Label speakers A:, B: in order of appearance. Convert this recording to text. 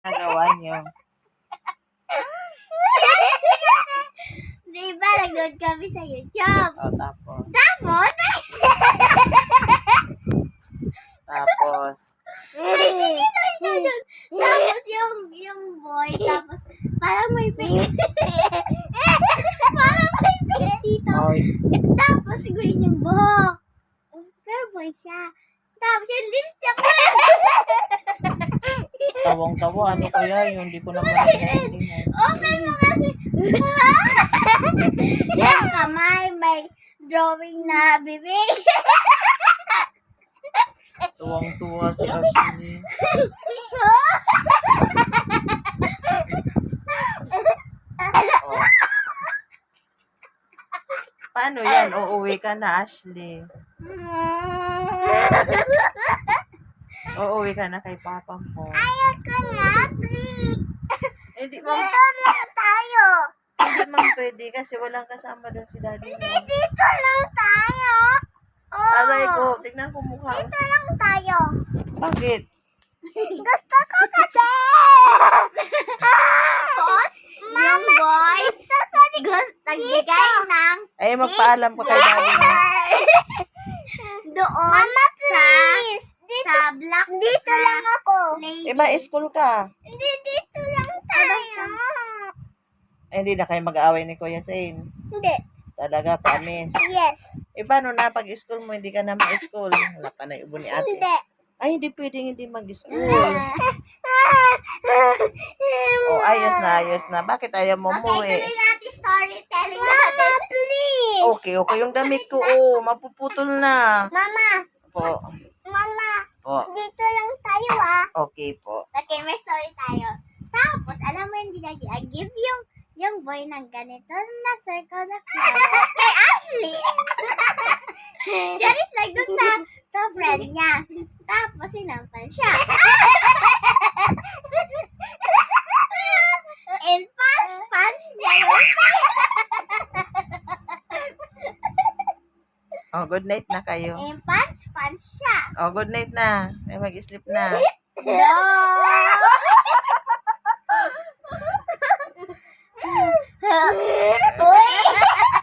A: nagawa niyo?
B: Diba, nag-load kami sa YouTube.
A: O, tapos.
B: Tapos,
A: Tapos.
B: tapos yung boy, tapos parang may face. Parang may face dito.
A: Oy.
B: Tapos siguro yung buhok. Pero boy siya. Tapos yung lips niya.
A: Tawang-tawa. Ano kaya yun? Hindi ko naman naiintindihan.
B: Open mo kasi. Yung kamay, may drawing na bibig.
A: Tuwang-tuwa si Ashley. Oh. Paano yan? Uuwi ka na, Ashley. Uuwi ka na kay papa mo.
B: Ayoko na, please.
A: Hindi mo,
B: Dito lang tayo.
A: hindi man pwede kasi walang kasama doon si daddy mo.
B: Dito lang tayo.
A: Aray ko, tignan ko mukha.
B: Dito lang tayo.
A: Bakit?
B: Gusto ko kasi. Tapos, yung boys, nagbigay ng
A: Ay, magpaalam ka kay daddy mo.
B: doon Mama, please. Sa black dito lang ako.
A: Eh, ma-school ka.
B: Hindi, dito lang tayo.
A: Eh, hindi na kayo mag-aaway ni Kuya Zane.
B: Hindi.
A: Talaga, promise.
B: Yes.
A: Eh, paano na pag-school mo, hindi ka na ma-school? Wala pa na ibo ni ate.
B: Hindi.
A: Ay, hindi pwedeng hindi mag-school. Oh, ayos na. Bakit ayaw mo
B: Okay,
A: umuwi?
B: tuloy natin storytelling natin. Mama, please.
A: Okay, yung damit ko, oh, mapuputol na.
B: Mama.
A: Po,
B: Mama.
A: po.
B: Dito lang tayo
A: Okay po.
B: Okay, may story tayo. Tapos, alam mo yung ginagi, I give yung boy ng ganito na circle na flower kay Ashley. Just like dun sa friend niya. Tapos, sinampal siya. And punch niya yun.
A: Oh, good night na kayo.
B: And punch siya.
A: Oh, good night na. May mag-sleep na.
B: No! Uy!